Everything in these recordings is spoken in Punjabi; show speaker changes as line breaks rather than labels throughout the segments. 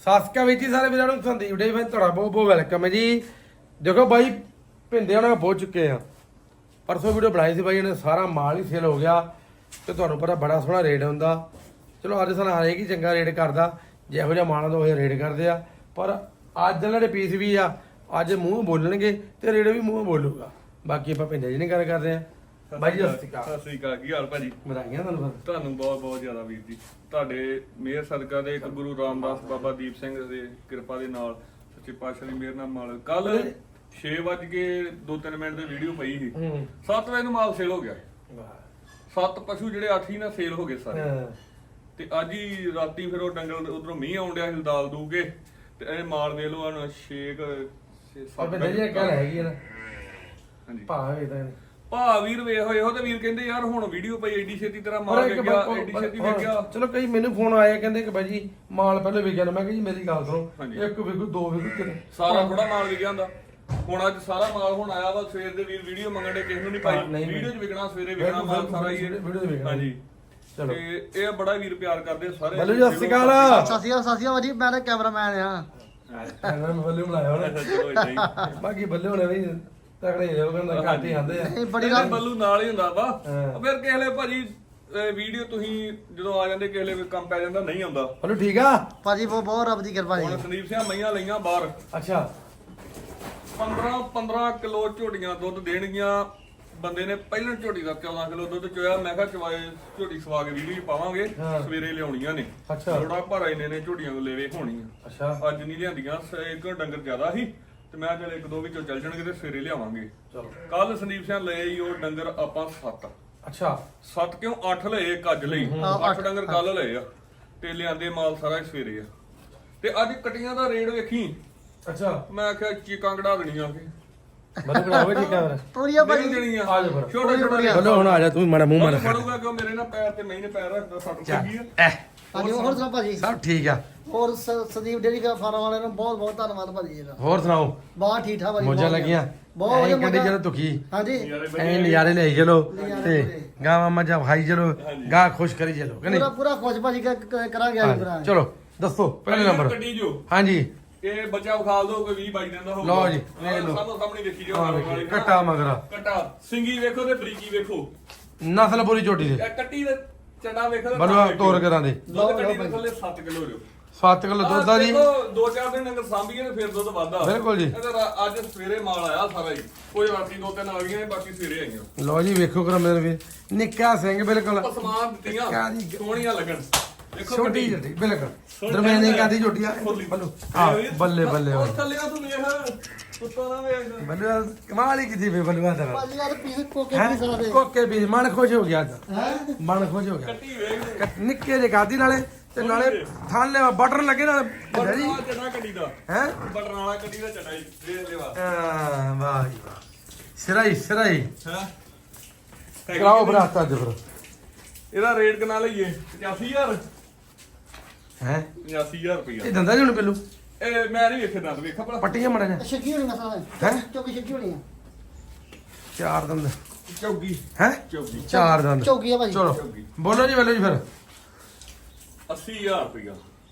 ਸਾਸਕਾ ਵਿੱਚ ਹੀ ਸਾਰੇ ਵੀਰਾਂ ਨੂੰ ਸੰਦੀਪ ਡੇ ਫੈਨ ਤੁਹਾਡਾ ਬਹੁਤ ਬਹੁਤ ਵੈਲਕਮ ਹੈ ਜੀ। ਦੇਖੋ ਬਾਈ ਭਿੰਦੇ ਉਹਨਾਂ ਪਹੁੰਚ ਚੁੱਕੇ ਆ। ਪਰਸੋਂ ਵੀਡੀਓ ਬਣਾਈ ਸੀ ਬਾਈ, ਇਹਨੇ ਸਾਰਾ ਮਾਲ ਹੀ ਸੇਲ ਹੋ ਗਿਆ ਤੇ ਤੁਹਾਨੂੰ ਪਤਾ ਬੜਾ ਸੋਹਣਾ ਰੇਟ ਹੁੰਦਾ। ਚਲੋ ਅੱਜ ਸਾਨੂੰ ਹਰੇਕ ਹੀ ਚੰਗਾ ਰੇਟ ਕਰਦਾ, ਜਿਹੋ ਜਿਹਾ ਮਾਲ ਦਾ ਉਹ ਜਿਹਾ ਰੇਟ ਕਰਦੇ ਆ। ਪਰ ਅੱਜ ਜਿਹੜੇ ਪੀਸ ਵੀ ਆ ਅੱਜ ਮੂੰਹ ਬੋਲਣਗੇ ਤੇ ਰੇਟ ਵੀ ਮੂੰਹ ਬੋਲੂਗਾ। ਬਾਕੀ ਆਪਾਂ ਭਿੰਦੇ ਜੀ ਨਹੀਂ ਗੱਲ ਕਰਦੇ ਆ। ਬਾਈ ਜੀ ਸਤਿ
ਸ਼੍ਰੀ ਅਕਾਲ, ਕੀ ਹਾਲ ਭਾਜੀ?
ਵਧਾਈਆਂ ਤੁਹਾਨੂੰ।
ਤੁਹਾਨੂੰ ਬਹੁਤ ਬਹੁਤ ਜ਼ਿਆਦਾ ਵੀਰ ਜੀ, ਤੁਹਾਡੇ ਮਿਹਰ ਸਦਕਾ ਦੇ ਇੱਕ ਗੁਰੂ ਰਾਮਦਾਸ ਬਾਬਾ ਦੀਪ ਸਿੰਘ ਦੀ ਕਿਰਪਾ ਦੇ ਨਾਲ ਸੱਚੇ ਪਾਤਸ਼ਾਹ ਦੀ ਮਿਹਰ ਨਾਲ ਮਾਲ ਕੱਲ 6:02 ਦੀ ਵੀਡੀਓ ਪਈ ਸੀ। 7 ਵਜੇ ਨੂੰ ਮਾਲ ਸੇਲ ਹੋ ਗਿਆ। 7 ਪਸ਼ੂ ਜਿਹੜੇ 8 ਹੀ ਨਾ ਸੇਲ ਹੋ ਗਏ ਸਾਰੇ। ਤੇ ਅੱਜ ਹੀ ਰਾਤੀ ਫਿਰ ਉਹ ਡੰਗਲ ਉਧਰੋਂ ਮੀਂਹ ਆਉਣ ਡਿਆ ਹਿਲਦਾਲ ਦੂਗੇ ਤੇ ਇਹ ਮਾਲ ਦੇ ਲੋ ਹਨ 6-7
ਹੈਗੀ ਨਾ।
ਹਾਂਜੀ ਭਾ ਵੀਰ ਵੇਖ ਹੋਏ ਉਹ ਤੇ ਵੀਰ ਕਹਿੰਦੇ ਯਾਰ ਹੁਣ ਵੀਡੀਓ ਪਈ ਐਡੀ ਛੇਤੀ ਤੇਰਾ ਮਾਲ ਵਿਕ ਗਿਆ, ਐਡੀ ਛੇਤੀ ਵਿਕ ਗਿਆ।
ਚਲੋ ਕਈ ਮੈਨੂੰ ਫੋਨ ਆਇਆ ਕਹਿੰਦੇ ਕਿ ਬਾਈ ਜੀ ਮਾਲ ਪਹਿਲੇ ਵਿਕ ਗਿਆ। ਮੈਂ ਕਿਹਾ ਜੀ ਮੇਰੀ ਗੱਲ ਸੁਣੋ, ਇੱਕ ਵਿਕੂ ਦੋ ਵਿਕੂ ਕਿਤੇ
ਸਾਰਾ ਥੋੜਾ ਮਾਲ ਵਿਕ ਜਾਂਦਾ। ਹੁਣ ਅੱਜ ਸਾਰਾ ਮਾਲ ਹੁਣ ਆਇਆ ਵਾ। ਸਵੇਰ ਦੇ ਵੀਰ ਵੀਡੀਓ ਮੰਗਣ ਦੇ, ਕਿਸੇ ਨੂੰ ਨਹੀਂ ਪਾਈ। ਵੀਡੀਓ 'ਚ ਵਿਕਣਾ, ਸਵੇਰੇ ਵਿਕਣਾ ਮਾਲ ਸਾਰਾ ਹੀ ਵੀਡੀਓ 'ਚ ਵਿਕਣਾ। ਹਾਂਜੀ ਚਲੋ ਤੇ ਇਹ ਬੜਾ ਵੀਰ ਪਿਆਰ ਕਰਦੇ ਸਾਰੇ।
ਬੱਲੂ ਜੀ ਸਤਿ ਸ਼੍ਰੀ ਅਕਾਲ।
ਸਤਿ ਸ਼੍ਰੀ ਅਕਾਲ ਜੀ, ਮੈਂ ਤਾਂ ਕੈਮਰਾਮੈਨ ਆ।
ਮੈਂ ਬੱਲੂ ਬਣਾਇਆ ਹੁਣ। ਬਾਕੀ ਬੱਲੇ ਹੋਣੇ ਵੀ ਤਕੜੇ ਜਿਹੇ ਕਹਿੰਦਾ ਘੱਟ ਹੀ ਆਂਦੇ ਆ।
ਇਹ ਬੜੀ ਗੱਲ
ਬੱਲੂ ਨਾਲ ਹੀ ਹੁੰਦਾ ਵਾ। ਫਿਰ ਕਿਸੇ ਵੇਲੇ ਭਾਜੀ ਵੀਡੀਓ ਤੁਸੀਂ ਜਦੋਂ ਆ ਜਾਂਦੇ ਕਿਸੇ ਵੇਲੇ ਕੰਮ ਪੈ ਜਾਂਦਾ ਨਹੀਂ ਆਉਂਦਾ।
ਬੱਲੂ ਠੀਕ ਆ
ਭਾਜੀ ਬਹੁਤ ਰੱਬ ਦੀ ਕਿਰਪਾ ਜੀ।
ਹੁਣ ਸੰਦੀਪ ਸਿੰਘ ਮਈਆਂ ਲਈਆਂ ਬਾਹਰ।
ਅੱਛਾ
15 ਕਿਲੋ ਝੋਟੀਆਂ ਦੁੱਧ ਦੇਣਗੀਆਂ। ਬੰਦੇ ਨੇ ਪਹਿਲਾਂ ਝੋਟੀ ਦਾ 14 ਕਿਲੋ ਦੁੱਧ ਚੋਇਆ। ਮੈਂ ਕਿਹਾ ਚਵਾਏ ਝੋਟੀ ਸਵਾ ਕੇ ਵੀਡੀਓ ਪਾਵਾਂਗੇ, ਸਵੇਰੇ ਲਿਆਉਣੀਆਂ ਨੇ। ਥੋੜਾ ਭਾਰਾ ਇਹਨੇ ਨੇ ਝੋਟੀਆਂ ਨੂੰ ਲੈਵੇ ਹੋਣੀਆਂ।
ਅੱਛਾ
ਅੱਜ ਨਹੀਂ ਲਿਆਂਦੀਆਂ, ਇੱਕ ਡੰਗਰ ਜ਼ਿਆਦਾ ਸੀ ਤੇ ਮੈਂ ਚਲ ਇੱਕ ਦੋ ਵਿੱਚੋਂ ਚੱਲ ਜਾਣਗੇ ਤੇ ਸਵੇਰੇ ਲਿਆਵਾਂਗੇ।
ਚਲੋ
ਕੱਲ ਸੰਦੀਪ ਸਿੰਘ ਲਏ ਹੀ ਉਹ ਡੰਗਰ ਆਪਾਂ 7।
ਅੱਛਾ
7 ਕਿਉਂ 8 ਲਏ ਇੱਕ ਅੱਜ ਲਈ। 8 ਡੰਗਰ ਕੱਲ ਲਏ ਆ ਤੇ ਲਿਆਂਦੇ ਮਾਲ ਸਾਰਾ ਸਵੇਰੇ ਆ। ਤੇ ਅੱਜ ਕਟੀਆਂ ਦਾ ਰੇਟ ਵੇਖੀ।
ਅੱਛਾ
ਮੈਂ ਆਖਿਆ ਚੀਕਾਂ ਕਢਾ ਦੇਣੀਆਂ ਕਿ
ਬੱਲੂ ਬਣਾਵੇ ਠੀਕ ਆ।
ਪੂਰੀਆਂ
ਨਹੀਂ
ਭਾਜੀ
ਦੇਣੀਆਂ।
ਆ ਜਾ ਫਿਰ
ਛੋਟੇ ਛੋਟੇ
ਬੱਲੂ ਹੁਣ ਆ ਜਾ ਤੂੰ ਮਾੜਾ ਮੂੰਹ ਮਾਰ
ਫੜੂਗਾ ਕਿਉਂ ਮੇਰੇ ਨਾਲ ਪੈਰ ਤੇ ਮੈਂ ਨੇ ਪੈਰ ਰੱਖਦਾ ਸੱਟ ਲੱਗੀ ਆ।
ਹਾਂਜੀ ਹੋਰ ਸੁਣਾਓ ਭਾਜੀ।
ਸਭ ਠੀਕ ਆ।
ਹੋਰ ਸੰਦੀਪ ਡੇਰੀ ਫਾਰਮ ਵਾਲਿਆਂ ਨੂੰ ਬਹੁਤ ਬਹੁਤ ਧੰਨਵਾਦ ਭਾਜੀ ਇਹਦਾ।
ਹੋਰ ਸੁਣਾਓ
ਬਹੁਤ ਠੀਕ ਠਾਕ ਭਾਜੀ।
ਮੋਜਾਂ ਲੱਗੀਆਂ
ਬਹੁਤ ਵਧੀਆ
ਕਹਿੰਦੇ ਚਲੋ ਦੁਖੀ
ਹਾਂਜੀ
ਐ ਨਜ਼ਾਰੇ ਲਈ ਚਲੋ ਤੇ ਗਾਵਾਂ ਮੱਝਾਂ ਖਾਈ ਚਲੋ, ਗਾਂ ਖੁਸ਼ ਕਰੀ ਚਲੋ ਕਿ ਨਹੀਂ।
ਪੂਰਾ ਖੁਸ਼ ਭਾਜੀ ਕਰਾਂਗੇ ਅੱਜ ਭਰਾ।
ਚਲੋ ਦੱਸੋ ਪਹਿਲੇ ਨੰਬਰ।
ਕੱਢੀ ਜੋ
ਹਾਂਜੀ
ਇਹ ਬੱਚਾ ਵਿਖਾਲ ਦੋ ਕੋਈ 20 22 ਦਿਨ ਦਾ ਹੋਊਗਾ।
ਲਓ ਜੀ ਵੇਖ ਲਓ
ਸਾਹਮਣੇ ਦੇਖੀ ਜਾਓ।
ਕੱਟਾ ਮਗਰਾ
ਕੱਟਾ ਸਿੰਗੀ ਵੇਖੋ ਤੇ ਬਰੀਕੀ ਵੇਖੋ।
ਨਸਲ ਪੂਰੀ ਝੋਟੀ ਦੇ
ਇਹ ਕੱਟੀ ਦੇ ਚੰਡਾ ਵੇਖੋ ਤੇ
ਬੱਲੂ ਤੋਰ ਕਰਾਂ ਦੇ
ਦੁੱਧ ਕੱਟੀ ਦੇ ਥੱਲੇ 7 ਕਿਲੋ ਜੋ
7 ਕਿਲੋ ਦੁੱਧ ਆ ਜੀ।
2-4 ਦਿਨ ਡੰਗਰ ਸਾਂਭੀਏ ਤੇ ਫਿਰ ਦੁੱਧ ਵੱਧਦਾ।
ਬਿਲਕੁਲ ਜੀ।
ਅੱਜ ਸਵੇਰੇ ਮਾਲ ਆਇਆ ਸਾਰਾ ਹੀ। ਕੋਈ ਰਾਤੀ 2-3 ਆ ਗਈਆਂ, ਬਾਕੀ ਸਵੇਰੇ ਆਈਆਂ।
ਲਓ ਜੀ ਵੇਖੋ ਕਰ ਮੇਰੇ ਵੀਰ ਨਿੱਕਾ ਸਿੰਘ ਬਿਲਕੁਲ
ਸਮਾਨ ਦਿੱਤੀਆਂ ਸੋਹਣੀਆਂ ਲੱਗਣ। ਦੇਖੋ
ਛੋਟੀ ਝੋਟੀ ਬਿਲਕੁਲ ਦਰਮਿਆਨੀ ਕਾਦੀ ਝੋਟੀ ਆ ਬੱਲੂ। ਆ ਬੱਲੇ ਬੱਲੇ
ਉਹ ਥੱਲਿਆਂ ਤੂੰ ਵੇਖ ਕੁੱਤਾ ਨਾ ਵੇਖ।
ਬੱਲੂ ਕਮਾਲ ਹੀ ਕੀਤੀ ਵੇ ਬੱਲੂ ਆ ਤੇਰਾ।
ਭਾਜੀ ਯਾਰ ਪੀਸ ਕੋਕੇ ਪੀਸ ਲਾ ਦੇ।
ਕੋਕੇ ਵੀ ਮਨ ਖੁਸ਼ ਹੋ ਗਿਆ ਅੱਜ।
ਹੈ
ਮਨ ਖੁਸ਼ ਹੋ ਗਿਆ।
ਕੱਟੀ ਵੇਖ
ਨਿੱਕੇ ਜਿਹੇ ਕਾਦੀ ਨਾਲੇ ਤੇ ਨਾਲੇ ਥਾਲੇ ਬਟਰ ਲੱਗੇ ਨਾਲ
ਬਟਰ ਵਾਲਾ ਚਟਾ ਕੱਟੀ ਦਾ।
ਹੈ
ਬਟਰ ਵਾਲਾ ਕੱਟੀ ਦਾ ਚਟਾ ਹੀ ਦੇਖ ਲੈ ਵਾ।
ਵਾਹ ਜੀ ਵਾਹ ਸਿਰਾਈ
ਹਾਂ
ਕਰਾਓ ਬਰਾਤ ਅੱਜ ਫਿਰ।
ਇਹਦਾ ਰੇਟ ਕਿੰਨਾ ਲਈਏ? 85000
ਹੈ
85000 ਰੁਪਇਆ।
ਇਹ ਦੰਦਾ ਜੀ ਹੁਣ ਪਹਿਲੂ
ਇਹ ਮੈਂ ਨਹੀਂ ਵੇਖੇ ਦੰਦ ਵੇਖਾ ਭਲਾ।
ਪੱਟੀਆਂ ਮੜਾ ਜਾ
ਛੱਗੀ ਹੋਣੀ ਮਸਾਲਾ
ਹੈਂ?
ਚੌਕੀ ਛੱਗੀ ਹੋਣੀ ਆ।
4 ਦੰਦ
ਚੌਗੀ
ਹੈ
ਚੌਗੀ
4 ਦੰਦ।
ਚੌਕੀ ਆ ਭਾਜੀ।
ਚਲੋ ਬੋਲੋ ਜੀ ਬੱਲੂ ਜੀ ਫਿਰ।
80000 ਰੁਪਇਆ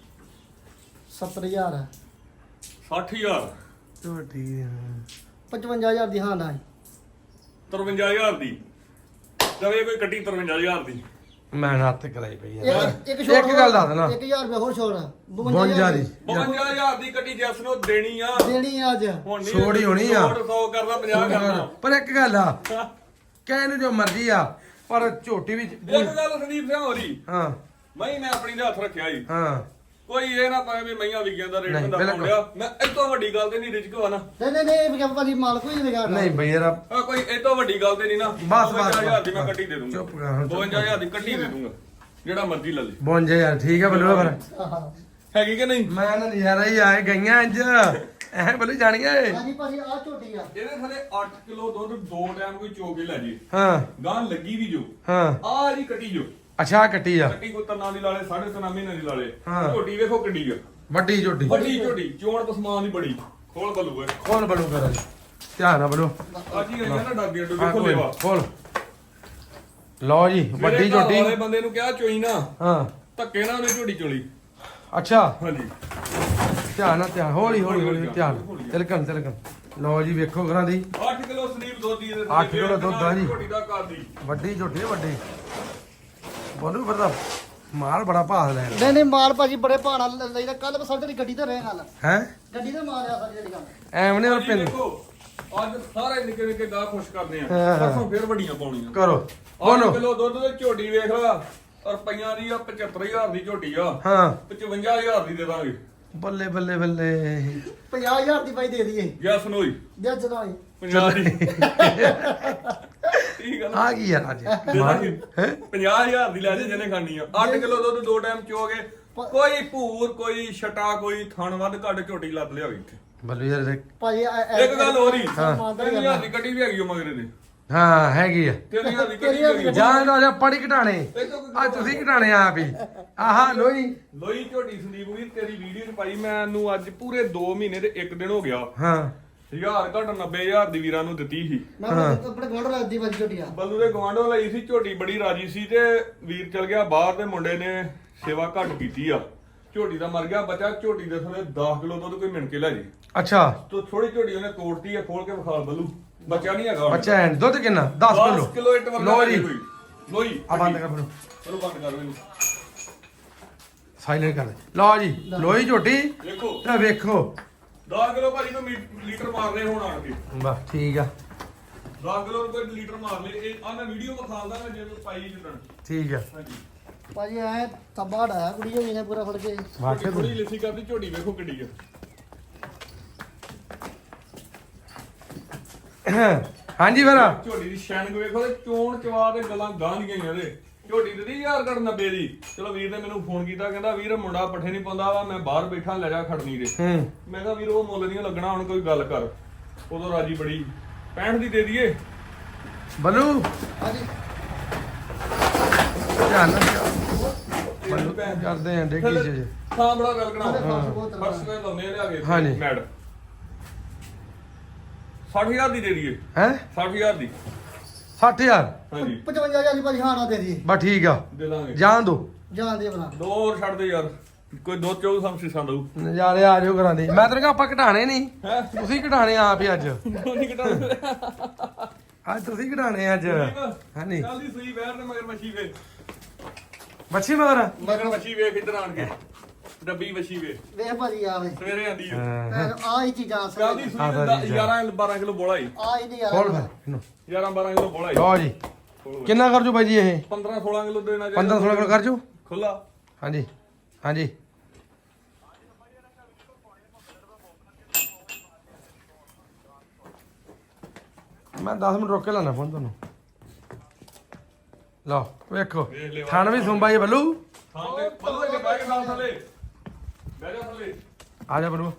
70000 ਹੈ
60000
ਝੋਟੀ
55000 ਦੀ ਹਾਂ ਨਾ
53000 ਦੀ ਦਵੇ ਕੋਈ ਕੱਟੀ 53000 ਦੀ।
ਮੈਂ ਹੱਥ ਕਰਾਈ ਪਈ ਆ।
ਇੱਕ
ਇੱਕ ਗੱਲ ਦੱਸ ਦੇਣਾ
1000 ਰੁਪਏ ਹੋਰ ਛੋੜ
52 ਦੀ
52000 ਦੀ ਕੱਟੀ ਜੈਸ ਨੂੰ ਦੇਣੀ ਆ।
ਦੇਣੀ ਆ ਅੱਜ।
ਹੁਣ ਨਹੀਂ
ਛੋੜ ਹੀ ਹੋਣੀ ਆ।
100 ਕਰਦਾ 50 ਕਰਦਾ।
ਪਰ ਇੱਕ ਗੱਲ ਆ ਕਹਿ ਨੂੰ ਜੋ ਮਰਜ਼ੀ ਆ ਪਰ ਝੋਟੀ ਵਿੱਚ
ਇੱਕ ਗੱਲ ਸੰਦੀਪ ਸਿੰਘ ਹੋਰੀ
ਹਾਂ
ਮੈਂ ਆਪਣੀ ਦੇ ਹੱਥ ਰੱਖਿਆ ਜੀ।
ਹਾਂ
ਕੋਈ ਇਹ ਨਾ ਪਾਏ ਵੀ ਮਈਆਂ ਵਿਗਿਆਂ ਦਾ ਰੇਟ
ਨਹੀਂ,
ਹੁੰਦਾ
ਬਿਲਕੁਲ।
ਪਾਉਂਦਿਆ। ਮੈਂ ਇਹ ਤੋਂ ਵੱਡੀ ਗੱਲ ਤੇ ਨਹੀਂ ਰਿਜਕ ਵਾ ਨਾ।
ਨਹੀਂ ਵੀ ਭਾਜੀ ਮਾਲ ਕੋਈ ਨਹੀਂ ਲਗਾ।
ਨਹੀਂ ਬਈ ਯਾਰ
ਆ ਕੋਈ ਇਹ ਤੋਂ ਵੱਡੀ ਗੱਲ ਤੇ ਨਹੀਂ ਨਾ।
ਬਸ
52000 ਦੀ ਮੈਂ ਕੱਟੀ ਦੇ ਦੂੰਗਾ।
ਚੁੱਪ ਕਰ ਹੁਣ।
52000 ਦੀ ਕੱਟੀ ਦੇ ਦੂੰਗਾ ਜਿਹੜਾ ਮਰਜ਼ੀ ਲੈ ਲੈ।
52 ਯਾਰ ਠੀਕ ਆ ਬੱਲੂ ਫਿਰ।
ਹੈਗੀ ਕਿ ਨਹੀਂ?
ਮੈਂ ਨਾ ਨਜ਼ਾਰਾ ਹੀ ਆਏ ਗਈਆਂ ਅੱਜ ਐ ਬੱਲੂ ਜਾਣੀਆਂ
ਹਾਂਜੀ ਭਾਜੀ ਆ ਝੋਟੀ ਆ।
ਇਹਦੇ ਥੱਲੇ 8 ਕਿਲੋ ਦੁੱਧ 2 ਟਾਈਮ ਕੋਈ ਚੋ ਕੇ ਲੈ ਜੇ।
ਹਾਂ
ਗਾਂ ਲੱਗੀ ਵੀ ਜੋ
ਹਾਂ
ਆ ਜੀ ਕੱਟੀ ਜੋ।
ਅੱਛਾ ਆਹ ਕੱਟੀ ਆ
ਕੱਟੀ ਕੋਈ ਤਨਾ ਦੀ ਲਾਲੇ 3.5 ਮਹੀਨੇ ਦੀ ਲਾਲੇ।
ਹਾਂ।
ਝੋਟੀ ਵੇਖੋ ਕਿੱਡੀ ਆ।
ਵੱਡੀ ਝੋਟੀ
ਵੱਡੀ ਝੋਟੀ ਚੋਣ ਪਸਮਾਨ ਦੀ ਬੜੀ। ਖੋਲ ਬੱਲੂ ਏ।
ਖੋਲ ਬੱਲੂ ਕਰ ਧਿਆਨ ਨਾਲ ਬੱਲੂ
ਅੱਜ ਹੀ ਆਈਆਂ ਨਾ ਡਾਬੀਆਂ
ਹਾਂ
ਵੇਖੋ
ਕੋਈ
ਲੈਵਾ।
ਖੋਲ ਲਓ ਜੀ ਵੱਡੀ
ਮੇਰੇ ਘਰ
ਝੋਟੀ
ਵਾਲੇ ਬੰਦੇ ਨੂੰ ਕਿਹਾ ਚੋਈ ਨਾ
ਹਾਂ
ਧੱਕੇ ਨਾਲ ਉਹਨੇ ਝੋਟੀ ਚੋਲੀ।
ਅੱਛਾ
ਹਾਂਜੀ
ਧਿਆਨ ਨਾਲ ਧਿਆਨ ਹੌਲੀ ਹੌਲੀ ਧਿਆਨ ਤਿਲਕਣ ਲਓ ਜੀ ਵੇਖੋ ਘਰਾਂ ਦੀ
8 ਕਿਲੋ ਸਲੀਪ ਦੁੱਧ ਦੀ
8 ਕਿਲੋ ਦੁੱਧ ਆ ਜੀ
ਝੋਟੀ ਦਾ ਕਰਦੀ
ਵੱਡੀ ਝੋਟੀ ਹੈ ਵੱਡੀ ਬੋਲੂ ਫਿਰ ਤਾਂ ਮਾਲ ਬੜਾ ਭਾਅ ਲੈਣ
ਨਹੀਂ ਮਾਲ ਭਾਜੀ ਬੜੇ ਭਾਣਾ ਲਈਦਾ ਕੱਲ ਬਸਰ ਤੇਰੀ ਗੱਡੀ ਤੇ ਰਹੇ ਗੱਲ
ਹੈ
ਗੱਡੀ ਤੇ ਮਾਰਿਆ ਸਾਰੀ ਜਿਹੜੀ ਗੱਲ
ਐਵੇਂ ਨੇ ਪਿੰਡ
ਦੇਖੋ ਅੱਜ ਸਾਰੇ ਨਿੱਕੇ ਨਿੱਕੇ ਗਾਹ ਖੁਸ਼ ਕਰਦੇ ਆ
ਹਾਂ।
ਪਰਸੋਂ ਫੇਰ ਵੱਡੀਆਂ ਪਾਉਣੀਆਂ
ਕਰੋ
8
ਬੋਲੋ
ਕਿਲੋ ਦੁੱਧ ਦੀ ਝੋਟੀ ਵੇਖ ਲਾ ਰੁਪਈਆਂ ਦੀ ਆ 75000 ਦੀ ਝੋਟੀ ਆ
ਹਾਂ
55000 ਦੀ ਦੇ ਦਾਂਗੇ
ਬੱਲੇ ਬੱਲੇ ਬੱਲੇ
50000 ਦੀ ਬਾਈ ਦੇ ਦਈਏ
ਯੈਸ ਨੋਈ
ਦੇ ਜਨਾਈ
50 ਦੀ ਠੀਕ ਆ
ਆ ਗਈ ਯਾਰ ਅੱਜ
ਹੈ 50000 ਦੀ ਲੈ ਜੇ ਜਿਹਨੇ ਖਾਣੀ ਆ 8 ਕਿਲੋ ਦੁੱਧ 2 ਟਾਈਮ ਚੋਗੇ ਕੋਈ ਭੂਰ ਕੋਈ ਛਟਾ ਕੋਈ ਥਣ ਵੱਧ ਘੱਟ ਝੋਟੀ ਲੱਦ ਲਿਆਵੇ ਇੱਥੇ
ਬੱਲੂ ਯਾਰ
ਭਾਜੀ
ਇੱਕ ਗੱਲ ਹੋਰ ਹੀ
ਹਾਂ।
3000 ਦੀ ਗੱਡੀ ਵੀ ਹੈਗੀ ਉਹ ਮਗਰੇ ਦੇ
ਹਾਂ ਹੈਗੀ ਆ
3000 ਦੀ ਗੱਡੀ ਵੀ ਹੈਗੀ
ਜਾਨ ਦਾ ਪੜੀ ਘਟਾਣੇ ਆ ਤੁਸੀਂ ਘਟਾਣੇ ਆਪ ਹੀ ਆਹਾ ਲੋਈ
ਲੋਈ ਝੋਟੀ ਸੰਦੀਪ ਵੀਰ ਤੇਰੀ ਵੀਡੀਓ ਚ ਪਾਈ ਮੈਨੂੰ ਅੱਜ ਪੂਰੇ 2 ਮਹੀਨੇ ਤੇ 1 ਦਿਨ ਹੋ ਗਿਆ
ਹਾਂ
1000 ਘੱਟ 90000 ਦੀ ਵੀਰਾਂ ਨੂੰ ਦਿੱਤੀ ਸੀ
ਮੈਂ ਆਪਣੇ ਗੋਲ ਰੱਖਦੀ ਭਾਜੀ ਝੋਟੀਆਂ
ਬੱਲੂ ਦੇ ਗਵਾਂਢੋਂ ਲਈ ਸੀ ਝੋਟੀ ਬੜੀ ਰਾਜੀ ਸੀ ਤੇ ਵੀਰ ਚਲ ਗਿਆ ਬਾਹਰ ਤੇ ਮੁੰਡੇ ਨੇ ਸੇਵਾ ਘੱਟ ਕੀਤੀ ਆ ਝੋਟੀ ਦਾ ਮਰ ਗਿਆ ਬੱਚਾ ਝੋਟੀ ਦੇ ਥੋੜੇ 10 ਕਿਲੋ ਦੁੱਧ ਕੋਈ ਮਿਣ ਕੇ ਲੈ ਜੀ
ਅੱਛਾ
ਤੋ ਥੋੜੀ ਝੋਟੀ ਉਹਨੇ ਤੋੜਤੀ ਆ ਖੋਲ ਕੇ ਵਿਖਾਲ ਬੱਲੂ ਬੱਚਾ ਨਹੀਂ ਹੈਗਾ ਹੁਣ।
ਬੱਚਾ ਹੈ ਦੁੱਧ ਕਿੰਨਾ 10
10
ਕਿਲੋ
ਕਿਲੋ ਇੱਟ ਵਰਗਾ
ਲਓ ਜੀ
ਕੋਈ ਲੋਈ
ਆ ਬੰਦ ਕਰ ਬਰੋ
ਚਲੋ ਬੰਦ ਕਰ ਇਹਨੂੰ
ਸਾਇਲੈਂਟ ਕਰ ਦੇ ਲਓ ਜੀ ਲੋਈ ਝੋਟੀ
ਦੇਖੋ
ਤੇ ਵੇਖੋ
10 ਕਿਲੋ ਭਾਜੀ ਨੂੰ ਲੀਟਰ ਮਾਰ ਰਹੇ ਹੁਣ ਆਣ ਕੇ
ਬਸ ਠੀਕ ਆ
10 ਕਿਲੋ ਕੋਈ ਲੀਟਰ ਮਾਰ ਲਏ ਇਹ ਆ ਮੈਂ ਵੀਡੀਓ ਵਿਖਾਲਦਾ ਮੈਂ ਜਦੋਂ ਪਾਈ ਜਿੱਦਣ
ਠੀਕ ਆ
ਹਾਂਜੀ
ਭਾਜੀ ਐ ਤੱਬਾ ਢਾਇਆ ਕੁੜੀ ਹੋਈ ਨੇ ਪੂਰਾ ਫੜ ਕੇ
ਵਾਕੇ
ਥੋੜੀ ਲਿੱਸੀ ਕਰਦੀ ਝੋਟੀ ਵੇਖੋ ਕਿੱਡੀ ਆ
ਹਾਂਜੀ ਫਿਰ
ਝੋਟੀ ਦੀ ਸ਼ੈਨਿੰਗ ਵੇਖੋ ਤੇ ਚੋਣ ਚਵਾ ਤੇ ਗੱਲਾਂ ਗਾਂ ਦੀਆਂ ਹੀ ਇਹਦੇ ਝੋਟੀ ਦਿੱਤੀ 1090 ਦੀ ਚਲੋ ਵੀਰ ਨੇ ਮੈਨੂੰ ਫੋਨ ਕੀਤਾ ਕਹਿੰਦਾ ਵੀਰ ਮੁੰਡਾ ਪੱਠੇ ਨਹੀਂ ਪਾਉਂਦਾ ਵਾ ਮੈਂ ਬਾਹਰ ਬੈਠਾ ਲੈ ਜਾ ਖੜਨੀ ਦੇ
ਹੂੰ
ਮੈਂ ਕਿਹਾ ਵੀਰ ਉਹ ਮੁੱਲ ਨਹੀਂ ਲੱਗਣਾ ਹੁਣ ਕੋਈ ਗੱਲ ਕਰ ਉਦੋਂ ਰਾਜੀ ਬੜੀ 65 ਦੀ ਦੇ ਦਈਏ
ਬੱਲੂ
ਹਾਂਜੀ
ਧਿਆਨ ਨਾਲ ਕਰਦੇ ਆਂ ਡੇਗੀ ਚ
ਹਾਂ ਬੜਾ ਗੱਲ ਕਣਾ
ਬਹੁਤ
ਫਰਸ਼ ਤੇ ਲਾਉਨੇ ਲਿਆ ਕੇ
ਹਾਂਜੀ।
ਮੈਡ 60000 ਦੀ ਦੇ ਦਈਏ
ਹੈ
60000 ਦੀ
60000
ਹਾਂਜੀ
55000 ਦੀ ਭਾਜੀ ਹਾਂ ਨਾ ਦੇ ਦਈਏ
ਬਸ ਠੀਕ ਆ
ਦੇ ਦਾਂਗੇ
ਜਾਣ ਦੋ
ਜਾਣ ਦੇ ਬਣਾ
ਦੋ ਹੋਰ ਛੱਡ ਦੇ ਯਾਰ ਕੋਈ ਦੋ ਚੌ ਸੰਸੀਸਾਂ ਦਊ
ਨਜ਼ਾਰੇ ਆ ਜਾਓ ਘਰਾਂ ਦੇ ਮੈਂ ਤੈਨੂੰ ਕਿਹਾ ਆਪਾਂ ਘਟਾਣੇ ਨਹੀਂ
ਹੈ
ਤੁਸੀਂ ਘਟਾਣੇ ਆਪ ਹੀ ਅੱਜ
ਨਹੀਂ ਘਟਾਉਂਦੇ
ਅੱਜ ਤੁਸੀਂ ਘਟਾਣੇ ਅੱਜ ਹਾਂਜੀ
ਕੱਲ ਦੀ ਸੂਈ ਵੈਰ ਤੇ ਮਗਰ ਮੱਛੀ ਵੇ
ਬੱਚੀ ਮਗਰ
ਮਗਰ ਮੱਛੀ ਵੇਖ ਇੱਧਰ ਆਣ ਕੇ ਡੱਬੀ ਮੱਛੀ ਵੇ
ਵੇਖ ਭਾਜੀ ਆ ਵੇ
ਸਵੇਰੇ ਆਂਦੀ ਆ
ਹਾਂ
ਆ ਹੀ ਚੀਜ਼ਾਂ
ਕੱਲ ਦੀ ਸੂਈ 11 12 ਕਿਲੋ ਬੋਲਾ ਹੀ
ਆ ਹੀ ਨਹੀਂ ਯਾਰ
ਖੋਲ ਫਿਰ ਇਹਨੂੰ
11 12 ਕਿਲੋ ਬੋਲਾ ਹੀ
ਲਓ ਜੀ ਕਿੰਨਾ ਕਰ ਜੋ ਬਾਈ ਜੀ ਇਹ
15 16 ਕਿਲੋ ਦੇਣਾ
15 16 ਕਿਲੋ ਕਰ ਜੋ
ਖੁੱਲਾ
ਹਾਂਜੀ ਹਾਂਜੀ ਮੈਂ 10 ਮਿੰਟ ਰੋਕ ਕੇ ਲਾਣਾ ਫੋਨ ਤੁਹਾਨੂੰ ਲਓ ਵੇਖੋ
ਵੇਖ ਲਿਓ।
ਥਣ ਵੀ ਸੁੰਬਾ ਜੀ ਬੱਲੂ
ਹਾਂ ਤੇ ਬੱਲੂ ਦੇ ਬੈਗ ਨਾਲ ਥੱਲੇ ਬਹਿ ਜਾ ਥੱਲੇ
ਆ ਜਾ ਬੱਲੂ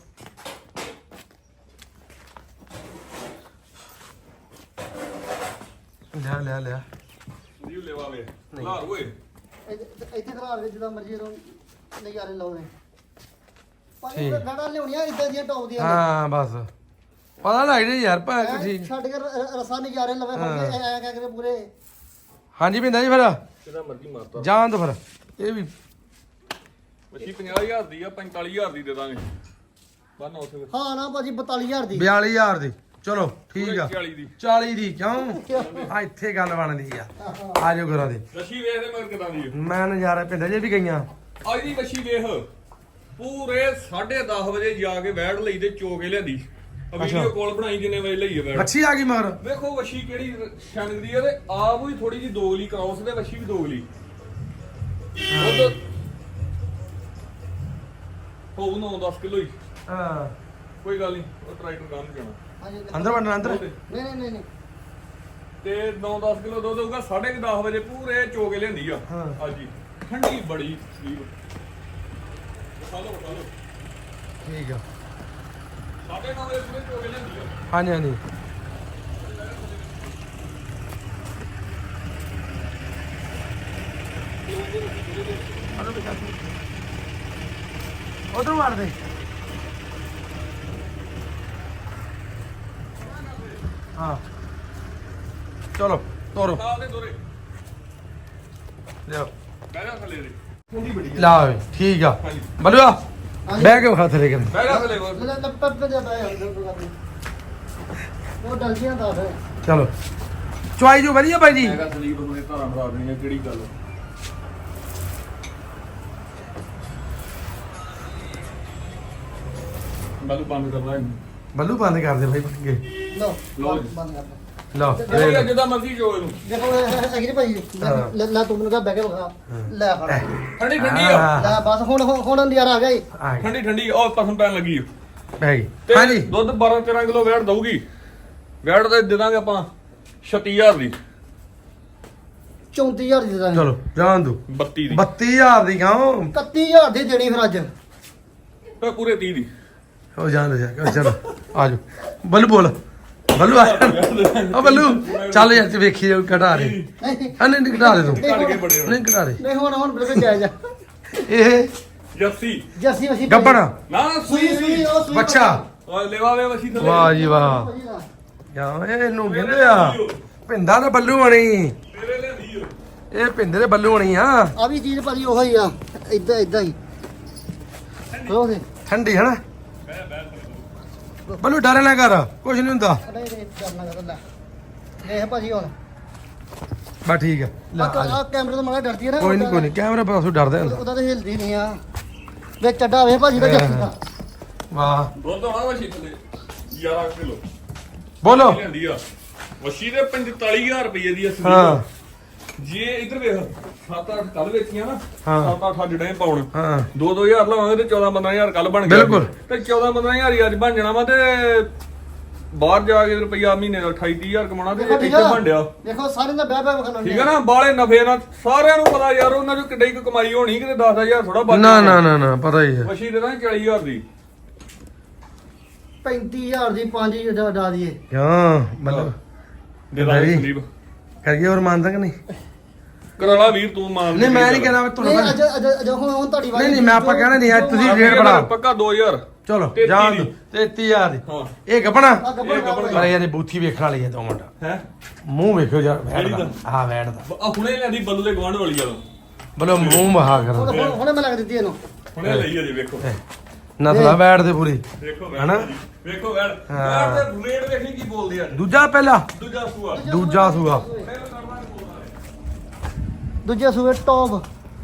ਲਿਆ ਲਿਆ
ਜੀ ਲੈਵਾ ਵੇ ਲਾਰ ਓਏ
ਇੱਥੇ ਖਲਾ ਦੇ ਜਿੱਦਾਂ ਮਰਜ਼ੀ ਰੋ ਨਜ਼ਾਰੇ ਲਾਉਣੇ ਭਾਜੀ
ਠੀਕ।
ਗਾੜਾ ਲਿਆਉਣੀਆਂ ਇਦਾਂ ਦੀਆਂ ਟੌਪ ਦੀਆਂ
ਹਾਂ ਬਸ ਪਤਾ ਲੱਗ ਜੇ ਯਾਰ ਭਾ
ਐਂ
ਠੀਕ
ਛੱਡ ਕੇ ਰਸਾ ਨਜ਼ਾਰੇ ਲਵੇ ਫੜ ਕੇ ਐ ਕਹਿ ਕੇ ਪੂਰੇ
ਹਾਂਜੀ ਭਿੰਦਾ ਜੀ ਫਿਰ
ਕਿਹਦਾ ਮਰਜ਼ੀ ਮਾਰਤਾ
ਜਾਣ ਦੋ ਫਿਰ ਇਹ ਵੀ
ਮੱਛੀ 50000 ਦੀ ਆ 45000 ਦੀ ਦੇ ਦਾਂਗੇ ਬੰਨ ਉੱਥੇ
ਹਾਂ ਨਾ ਭਾਜੀ 42000 ਦੀ
42000 ਦੀ ਚਲੋ ਠੀਕ ਆ
40 ਦੀ
40 ਦੀ ਕਿਉਂ ਆ ਇੱਥੇ ਗੱਲ ਬਣਦੀ ਆ ਆ ਜਾਓ ਘਰਾਂ ਦੇ
ਮੱਛੀ ਵੇਖ ਦੇ ਮਗਰ ਕਿਦਾਂ ਦੀ ਆ
ਮੈਂ ਨਜ਼ਾਰਾ ਭਿੰਦਾ ਜੇ ਵੀ ਗਈਆਂ
ਅੱਜ ਦੀ ਮੱਛੀ ਵੇਖ ਪੂਰੇ 10:30 ਵਜੇ ਜਾ ਕੇ ਵੈੜ ਲਈ ਤੇ ਚੋ ਕੇ ਲਿਆਂਦੀ ਆ ਵੀਡੀਓ ਕਾਲ ਬਣਾਈ ਜਿੰਨੇ ਵਜੇ ਲਈ ਆ ਵੈੜ
ਮੱਛੀ ਆ ਗਈ ਮਗਰ
ਵੇਖੋ ਵੱਛੀ ਕਿਹੜੀ ਛੰਗ ਦੀ ਆ ਤੇ ਆਪ ਵੀ ਥੋੜੀ ਜੀ ਦੋਗਲੀ ਕਰਾਉਸ ਤੇ ਵੱਛੀ ਵੀ ਦੋਗਲੀ ਦੁੱਧ ਹੋਊ 9-10 ਕਿਲੋ ਹੀ
ਹਾਂ
ਕੋਈ ਗੱਲ ਨਹੀਂ ਉਹ ਟਰੈਕਟਰ ਗਾਂ ਨੂੰ ਜਾਣਾ
ਹਾਂਜੀ
ਅੰਦਰ ਵੜਨਾ ਅੰਦਰ
ਨਹੀਂ
ਤੇ 9-10 ਕਿਲੋ ਦੁੱਧ ਹੋਊਗਾ 10:30 ਵਜੇ ਪੂਰੇ ਚੋ ਕੇ ਲਿਆਂਦੀ ਆ
ਹਾਂ।
ਹਾਂਜੀ ਠੰਡੀ ਬੜੀ ਸਲੀਬ ਖਾ ਲਓ
ਠੀਕ ਆ
9:30 ਵਜੇ ਪੂਰੇ ਚੋ ਕੇ ਲਿਆਂਦੀ ਆ
ਹਾਂਜੀ ਹਾਂਜੀ ਉਧਰ ਮਾਰ ਦੇ ਹਾਂ ਚਲੋ ਤੋਰੋ
ਖਾ ਦੇ ਦੋਰੇ
ਲਿਓ
ਬਹਿ ਜਾ ਥੱਲੇ ਦੇ ਠੰਡੀ ਬੜੀ ਆ
ਲਾ ਵੇ ਠੀਕ ਆ
ਹਾਂਜੀ।
ਬਲੂਆ ਬਹਿ ਕੇ ਵਿਖਾ ਥਲੇ ਕਰ
ਬਹਿ ਜਾ ਥੱਲੇ ਹੋਰ।
ਲੈ ਲੱਪੜ ਤੇ ਬੈ ਉਹ ਡਲ ਗਿਆ ਦਾ ਫਿਰ
ਚਲੋ ਚੁਆਈ ਜੋ ਵਧੀਆ ਬਾਈ ਜੀ।
ਮੈਂ ਕਿਹਾ ਸੰਦੀਪ ਨੂੰ ਇਹ ਧਾਰਾਂ ਫੜਾ ਦੇਣੀਆਂ ਕਿਹੜੀ ਗੱਲ। ਬਾਲੂ ਬੰਦ ਕਰਨਾ ਇਹਨੂੰ।
ਬੱਲੂ ਬੰਦ ਕਰ ਦੇ ਬਾਈ ਪੱਕੇ
ਲਓ
ਲਓ ਜੀ।
ਬੰਦ ਕਰ
ਲਓ
ਚਲੋ ਜਿੱਦਾਂ ਮਰਜ਼ੀ ਜੋ ਇਹਨੂੰ।
ਦੇਖੋ ਇਹ ਭਾਈ ਲੈ ਤੂੰ ਮੈਨੂੰ ਕਹ ਬਹਿ ਕੇ ਵਿਖਾ ਲੈ ਫੜ
ਠੰਡੀ ਠੰਡੀ ਆ।
ਲੈ ਬਸ ਹੁਣ ਨਜ਼ਾਰਾ ਆ ਗਿਆ ਈ
ਆ ਗਈ
ਠੰਡੀ ਠੰਡੀ ਉਹ ਪਸੰਦ ਪੈਣ ਲੱਗੀ।
ਪੈ ਗਈ
ਤੇ
ਹਾਂਜੀ
ਦੁੱਧ 12-13 ਕਿਲੋ ਵੈਟ ਦਊਗੀ। ਵੈਟ ਤੇ ਦੇ ਦਾਂਗੇ ਆਪਾਂ 36000 ਦੀ
34000 ਦੀ ਦੇ ਦਾਂਗੇ
ਚਲੋ ਜਾਣ ਦੋ
32 ਦੀ
32000 ਦੀ ਗਾਉ
31000 ਦੀ ਦੇਣੀ ਫਿਰ ਅੱਜ
ਤੇ ਪੂਰੇ 30 ਦੀ।
ਉਹ ਜਾਣ ਦੇ ਜਾ ਚਲੋ ਆਜੋ ਬੱਲੂ ਬੋਲ ਬੱਲੂ ਆ ਉਹ ਬੱਲੂ ਚੱਲ ਯਾਰ ਤੇ ਵੇਖੀ ਜਾਓ ਘਟਾ ਦੇ
ਨਹੀਂ
ਆ ਨਹੀਂ ਘਟਾ ਦੇ ਤੂੰ
ਘੜ ਕੇ ਬੜੇ
ਨਹੀਂ ਘਟਾ ਦੇ
ਨਹੀਂ ਹੁਣ ਬਿਲਕੁਲ ਜਾਇਜ਼ ਆ
ਇਹ
ਜੱਸੀ
ਜੱਸੀ ਅਸੀਂ
ਗੱਬਣ
ਨਾ
ਸੂਈ ਸੂਈ ਉਹ ਸੂਈ
ਬੱਚਾ
ਆ ਲੈਵਾਵੇ ਵਸੀ ਥੱਲੇ।
ਵਾਹ ਜੀ ਵਾਹ ਯਾ ਇਹਨੂੰ ਕਹਿੰਦੇ ਆ ਪਿੰਦਾ ਦਾ ਬੱਲੂ ਬਣੀ
ਤੇਰੇ ਲਿਆਂਦੀ ਓ।
ਇਹ ਪਿੰਦੇ ਦੇ ਬੱਲੂ ਬਣੀ ਆ
ਆ ਵੀ ਚੀਜ਼ ਭਾਜੀ ਉਹੀ ਆ ਇਦਾਂ ਹੀ ਲੋ ਦੇ
ਠੰਡੀ ਹਨਾ ਬੱਲੂ ਡਰ ਨਾ ਕਰ ਕੁਝ ਨਹੀਂ ਹੁੰਦਾ
ਨਹੀਂ ਕਰਨਾ ਕਰ ਲੈ ਦੇਖ ਭਾਜੀ ਹੁਣ
ਬਸ ਠੀਕ ਹੈ ਲੈ ਆ ਜਾ।
ਆ ਕੈਮਰੇ ਤੋਂ ਮਾੜਾ ਡਰਦੀ ਹੈ ਨਾ
ਕੋਈ ਨਹੀਂ ਕੈਮਰਾ ਪਾਸੋਂ ਡਰਦਾ ਹੁੰਦਾ
ਉਹਦਾ ਤਾਂ ਹਿਲਦੀ ਨਹੀਂ ਆ ਵੇ ਚੱਡਾ ਵੇ ਭਾਜੀ ਦਾ ਜੱਫੀ ਦਾ
ਵਾਹ
ਦੁੱਧ ਹੋਣਾ ਵਸੀ ਥੱਲੇ 11 ਕਿਲੋ
ਬੋਲੋ
ਲਿਆਂਦੀ ਆ। ਵਸੀ ਦੇ 45000 ਰੁਪਏ ਦੀ ਅਸਲੀ
ਹਾਂ
ਜੇ ਇਧਰ ਵੇਖ 7-8 ਕੱਲ ਵੇਚੀਆਂ ਨਾ
ਹਾਂ।
7-8 ਅੱਜ ਡੇ ਪਾਉਣ
ਹਾਂ
2-2000 ਲਵਾਂਗੇ ਤੇ 14-15000 ਕੱਲ ਬਣ ਗਿਆ
ਬਿਲਕੁਲ।
ਤੇ 14-15000 ਹੀ ਅੱਜ ਬਣ ਜਾਣਾ ਵਾ ਤੇ ਬਾਹਰ ਜਾ ਕੇ ਰੁਪਈਆ ਮਹੀਨੇ ਦਾ 28-30000 ਕਮਾਉਣਾ ਤੇ
ਦੇਖੋ ਠੀਕ
ਇੱਥੇ
ਆ
ਬਣ ਡਿਆ।
ਦੇਖੋ ਸਾਰੇ ਦਾ ਬਹਿ ਬਹਿ ਵਿਖਾਉਣਾ
ਠੀਕ ਹੈ ਨਾ ਬਾਲੇ ਨਫੇ ਨਾਲ ਸਾਰਿਆਂ ਨੂੰ ਪਤਾ ਯਾਰ ਉਹਨਾਂ ਚੋਂ ਕਿੱਡੀ ਕੁ ਕਮਾਈ ਹੋਣੀ ਕਿਤੇ 10000 ਥੋੜਾ ਬਚ
ਨਾ ਨਾ ਨਾ ਨਾ ਪਤਾ ਹੀ ਹੈ
ਵਸ਼ੀ ਦੇ ਦਾਂ 40000 ਦੀ
35000 ਦੀ 5000 ਦਾ ਦੀਏ
ਹਾਂ ਮਤਲਬ
ਦੇ ਦਾਂਗੇ
ਨਹੀਂ।
ਸੰਦੀਪ
ਕਰੀਏ ਹੋਰ ਮੰਨਦਾ ਕਿ ਨਹੀਂ
ਕਰਾਲਾ ਵੀਰ ਤੂੰ ਮਾਨ
ਨਹੀਂ ਮੈਂ ਨਹੀਂ ਕਹਿਣਾ
ਨਹੀਂ
ਤੁਹਾਨੂੰ
ਅੱਜ ਹੁਣ ਤੁਹਾਡੀ ਵਾਰੀ
ਨਹੀਂ ਨਹੀਂ ਮੈਂ ਆਪਾਂ ਕਹਿਣਾ ਨਹੀਂ ਅੱਜ ਤੁਸੀਂ ਰੇਟ ਬਣਾ
ਪੱਕਾ 2000
ਚਲੋ
33
ਜਾਣ
ਦੀ।
ਦੋ 33000 ਦੀ
ਹਾਂ
ਇਹ ਗੱਪਣਾ
ਆ ਗੱਬੜ
ਇਹ ਗੱਬੜ
ਪਰ ਯਾਰ ਇਹ ਬੂਥੀ ਵੇਖਣ ਵਾਲੀ ਹੈ 2 ਮਿੰਟ
ਹੈ
ਮੂੰਹ ਵੇਖੋ ਯਾਰ ਵੈੜ
ਕਿਹੜੀ
ਦਾ
ਦਾ?
ਹਾਂ ਵੈੜ ਦਾ
ਆ ਹੁਣੇ ਲੈਂਦੀ ਬੱਲੂ ਦੇ ਗਵਾਂਢ ਵਾਲੀ ਆ
ਬੋਲੋ ਮੂੰਹ ਮਹਾ ਕਰ
ਹੁਣ ਮੈਂ ਲੱਗ ਦਿੱਤੀ ਇਹਨੂੰ
ਹੁਣੇ ਲਈ ਅਜੇ ਵੇਖੋ
ਨਸਲਾ ਵੈੜ ਦੇ ਪੂਰੀ
ਵੇਖੋ
ਹਨਾ?
ਵੈੜ ਵੇਖੋ ਵੈੜ
ਹਾਂ।
ਵੈੜ ਦੇ ਰੇਟ ਵੇਖੀ ਕੀ ਬੋਲਦੇ ਆ
ਦੂਜਾ ਪਹਿਲਾ
ਦੂਜਾ ਸੂਆ
ਦੂਜਾ ਸੂਆ
ਦੂਜੇ ਸੂਏ ਟੌਪ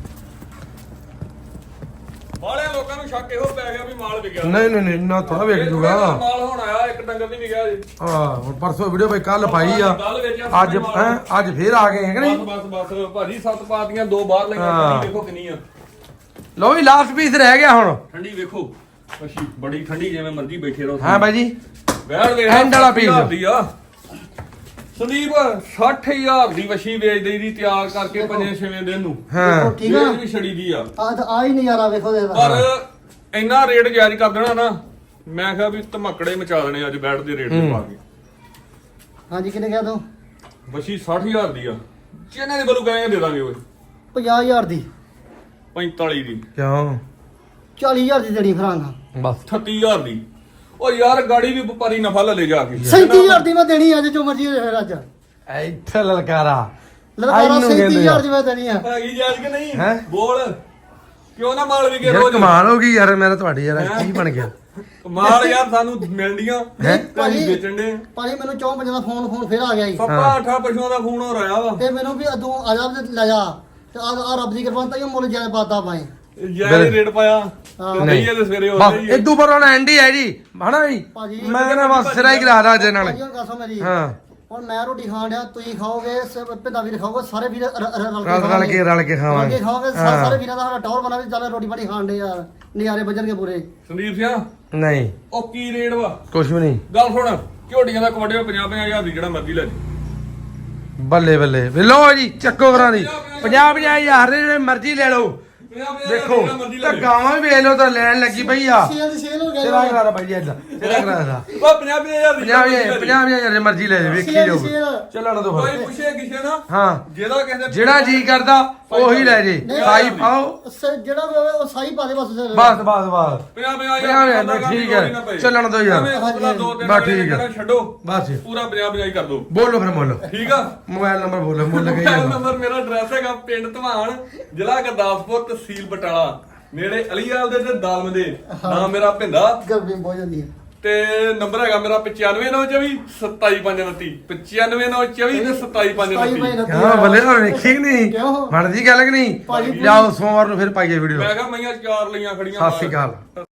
ਬਾਲੇ ਲੋਕਾਂ ਨੂੰ ਸ਼ੱਕ ਇਹੋ ਪੈ ਗਿਆ ਵੀ ਮਾਲ ਵਿਕਿਆ
ਨਹੀਂ ਨਹੀਂ ਨਹੀਂ ਨਾ ਥੋੜਾ ਵੇਖ ਜੂਗਾ
ਮਾਲ ਹੁਣ ਆਇਆ ਇੱਕ ਡੰਗਰ ਨਹੀਂ ਵਿਕਿਆ ਜੀ
ਹਾਂ ਹੁਣ ਪਰਸੋਂ ਵੀਡੀਓ ਬਈ ਕੱਲ ਪਾਈ ਆ
ਕੱਲ੍ਹ ਵੇਚਿਆ
ਅੱਜ ਹੈਂ, ਅੱਜ ਫੇਰ ਆ ਗਏ ਹੈ ਕਿ ਨਹੀਂ
ਬਸ ਭਾਜੀ 7 ਪਾਤੀਆਂ 2 ਬਾਹਰ ਲਈਆਂ
ਹਾਂ।
ਠੰਡੀ ਵੇਖੋ ਕਿੰਨੀ ਆ
ਲੋ ਵੀ ਲਾਸਟ ਪੀਸ ਰਹਿ ਗਿਆ ਹੁਣ
ਠੰਡੀ ਵੇਖੋ ਅੱਛੀ ਬੜੀ ਠੰਡੀ ਜਿਵੇਂ ਮਰਜ਼ੀ ਬੈਠੇ ਰਹੋ
ਹਾਂ ਬਾਈ ਜੀ
ਵੈੜ ਵੇਖ
End ਵਾਲਾ piece।
60,000 ਦੀ ਆ ਸੰਦੀਪ 60000 ਦੀ ਵਸ਼ੀ ਵੇਚ ਦੇਈ ਦੀ ਤਿਆਰ ਕਰਕੇ 5-6 ਦਿਨ ਨੂੰ
ਹਾਂ
ਦੇਖੋ ਠੀਕ ਆ
ਵੇਚ ਵੀ ਛੜੀ ਦੀ ਆ
ਆ ਹੀ ਨਜ਼ਾਰਾ ਵੇਖੋ ਦੇ
ਪਰ ਇੰਨਾ ਰੇਟ ਜਾਇਜ਼ ਕਰ ਦੇਣਾ ਨਾ ਮੈਂ ਕਿਹਾ ਵੀ ਧਮਕੜੇ ਮਚਾ ਦੇਣੇ ਅੱਜ ਬੈਠ ਦੇ ਰੇਟ ਤੇ ਪਾ ਕੇ
ਹਾਂਜੀ ਕਿੰਨੇ ਕਿਹਾ ਤੂੰ
ਵਸ਼ੀ 60000 ਦੀ ਆ ਜਿਹਨੇ ਦੇ ਬਲੂ ਗਏ ਦੇ ਦਾਂਗੇ ਓਏ
50000 ਦੀ
45 ਦੀ
ਕਿਉਂ
40000 ਦੀ ਦੇਣੀ ਫਰਾਂਗਾ
ਬਸ
38000 ਦੀ ਉਹ ਯਾਰ ਗਾੜੀ ਵੀ ਵਪਾਰੀ ਨਫਾ ਲੈ ਜਾ ਕੇ
37000 ਦੀ ਮੈਂ ਦੇਣੀ ਅੱਜ ਜੋ ਮਰਜ਼ੀ ਹੋਵੇ ਅੱਜ
ਇੱਥੇ ਲਲਕਾਰਾ
ਲਲਕਾਰਾ
ਇਹਨੂੰ ਕਹਿੰਦੇ
37000 ਦੀ ਮੈਂ ਦੇਣੀ ਆ
ਹੈਗੀ ਜਾਇਜ਼ ਕਿ ਨਹੀਂ
ਹੈਂ?
ਬੋਲ ਕਿਉਂ ਨਾ ਮਾਲ ਵਿਕੇ
ਯਾਰ
ਰੋਜ਼
ਕਮਾਲ ਹੋ ਗਈ ਯਾਰ ਮੇਰਾ ਤੁਹਾਡੀ ਯਾਰ ਕੀ ਬਣ ਗਿਆ
ਮਾਲ ਯਾਰ ਸਾਨੂੰ ਮਿਲਦੀਆਂ
ਹੈਂ?
ਭਾਜੀ ਵੇਚਣ ਦੇ
ਭਾਜੀ ਮੈਨੂੰ 4-5 ਦਾ ਫੋਨ ਫੇਰ ਆ ਗਿਆ ਜੀ
ਸੱਪਾ ਅੱਠਾ ਪਸ਼ੂਆਂ ਦਾ ਫੋਨ ਹੋ ਰਿਹਾ ਵਾ
ਤੇ ਮੈਨੂੰ ਵੀ ਅਦੋਂ ਆ ਜਾ ਤੇ ਲੈ ਜਾ ਤੇ ਆ ਰੱਬ ਦੀ ਕਿਰਪਾ ਨਾਲ ਤਾਂ ਇਹ ਮੁੱਲ ਜਿਆਦਾ ਪਾਤਾ ਪਾਏ
ਜਾਇਜ਼ ਰੇਟ ਪਾਇਆ
ਹਾਂ।
ਤੇ ਨਹੀਂ ਇਹਦੇ ਸਵੇਰੇ ਹੋ
ਬਸ
ਰਹੀ
ਇਦੋਂ ਪਰ ਹੁਣ ਐਂਡ ਹੀ ਹੈ ਜੀ ਹਨਾ ਜੀ
ਭਾਜੀ
ਮੈਂ ਨਾ ਬਸ ਸਿਰਾ ਹੀ ਕਰਾ ਦਾ ਜੇ ਨਾਲ
ਭਾਜੀ ਹੁਣ ਦੱਸੋ ਮੇਰੀ
ਹਾਂ
ਹੁਣ ਮੈਂ ਰੋਟੀ ਖਾਣ ਡਿਆ ਤੁਸੀਂ ਖਾਓਗੇ ਪਿੰਦਾ ਵੀਰ ਖਾਓਗੇ ਸਾਰੇ ਵੀਰ
ਰਲ ਕੇ
ਰਲ ਕੇ
ਖਾਵਾਂਗੇ
ਖਾਓਗੇ ਸਾਰੇ ਵੀਰਾਂ ਦਾ ਸਾਡਾ ਟੌਰ ਬਣਾ ਵੀ ਚੱਲ ਰੋਟੀ ਪਾਣੀ ਖਾਣ ਦੇ ਯਾਰ ਨਜ਼ਾਰੇ ਵੱਜਣਗੇ ਪੂਰੇ
ਸੰਦੀਪ ਸਿੰਘ
ਨਹੀਂ
ਉਹ ਕੀ ਰੇਟ ਵਾ
ਕੁਛ ਵੀ ਨਹੀਂ
ਗੱਲ ਸੁਣ ਝੋਟੀਆਂ ਦਾ ਕਵੱਡੇ 50-50 ਦੀ ਜਿਹੜਾ ਮਰਜ਼ੀ ਲੈ ਜੀ
ਬੱਲੇ ਬੱਲੇ ਵੇ ਲਓ ਜੀ ਚੱਕੋ ਕਰਾਂ ਦੀ 50,000 ਦੇ ਜਿਹੜੇ ਮਰਜ਼ੀ ਲੈ ਲਓ ਦੇਖੋ ਤਾਂ ਗਾਵਾਂ ਵੀ ਵੇਚ ਲਓ ਤਾਂ ਲੈਣ ਲੱਗੀ ਪਈ ਆ
ਸੇਲ ਹੋ
ਤੇਰਾ
ਗਿਆ
ਕਰਾ ਦਾ ਭਾਈ ਜੀ ਏਦਾਂ ਤੇਰਾ ਕਰਾ ਦਾ
ਉਹ 50,000 ਦੀ
50,000 ਦੇ ਮਰਜ਼ੀ ਲੈ ਜਾ ਵੇਖੀ
ਸੇਲ
ਜਾਓ
ਸੇਲ
ਚੱਲਣ ਦੋ
ਕੋਈ
ਫਿਰ
ਪੁੱਛੇ ਕਿਸੇ ਨਾ
ਹਾਂ
ਜਿਹਦਾ ਕਹਿੰਦੇ
ਜਿਹੜਾ ਜੀ ਕਰਦਾ ਉਹੀ ਲੈ ਜੇ ਸਾਈ ਪਾਓ
ਜਿਹੜਾ ਵੀ ਹੋਵੇ ਉਹ ਸਾਈ ਪਾ ਦੇ ਬਸ
ਬਸ ਬਸ ਬਸ
50,000
ਠੀਕ ਹੈ ਚੱਲਣ ਦੋ ਯਾਰ ਬਸ ਠੀਕ ਹੈ
ਛੱਡੋ
ਬਸ
ਪੂਰਾ 50,000 ਕਰ ਦੋ
ਬੋਲੋ ਫਿਰ ਮੁੱਲ
ਠੀਕ ਆ
ਮੋਬਾਈਲ ਨੰਬਰ ਬੋਲੋ ਮੁੱਲ ਗਈ
ਮੋਬਾਈਲ ਨੰਬਰ ਮੇਰਾ ਐਡਰੈਸ ਹੈਗਾ ਪਿੰਡ ਧਵਾਨ ਜ਼ਿਲ੍ਹਾ ਗੁਰਦਾਸਪੁਰ ਤਹਿਸੀਲ ਬਟਾਲਾ ਨੇੜੇ ਅਲੀਵਾਲ ਦੇ ਤੇ ਦਾਲਮ ਦੇ ਨਾਮ ਮੇਰਾ ਭਿੰਦਾ
ਗਰਮੀ ਬਹੁਤ ਜਾਂਦੀ ਹੈ
ਤੇ ਨੰਬਰ ਹੈਗਾ ਮੇਰਾ 95924 27529 95924 ਤੇ 27529
ਹਾਂ ਬੱਲੇ ਹੋਰ ਵੇਖੀ ਕਿ ਨਹੀਂ
ਕਿਉਂ?
ਬਣਦੀ ਗੱਲ ਕਿ ਨਹੀਂ
ਭਾਜੀ
ਜਾਓ ਸੋਮਵਾਰ ਨੂੰ ਫਿਰ ਪਾਈਏ ਵੀਡੀਓ
ਮੈਂ ਕਿਹਾ ਮਈਆਂ ਚਾਰ ਲਈਆਂ ਖੜੀਆਂ
ਸਤਿ ਸ਼੍ਰੀ ਅਕਾਲ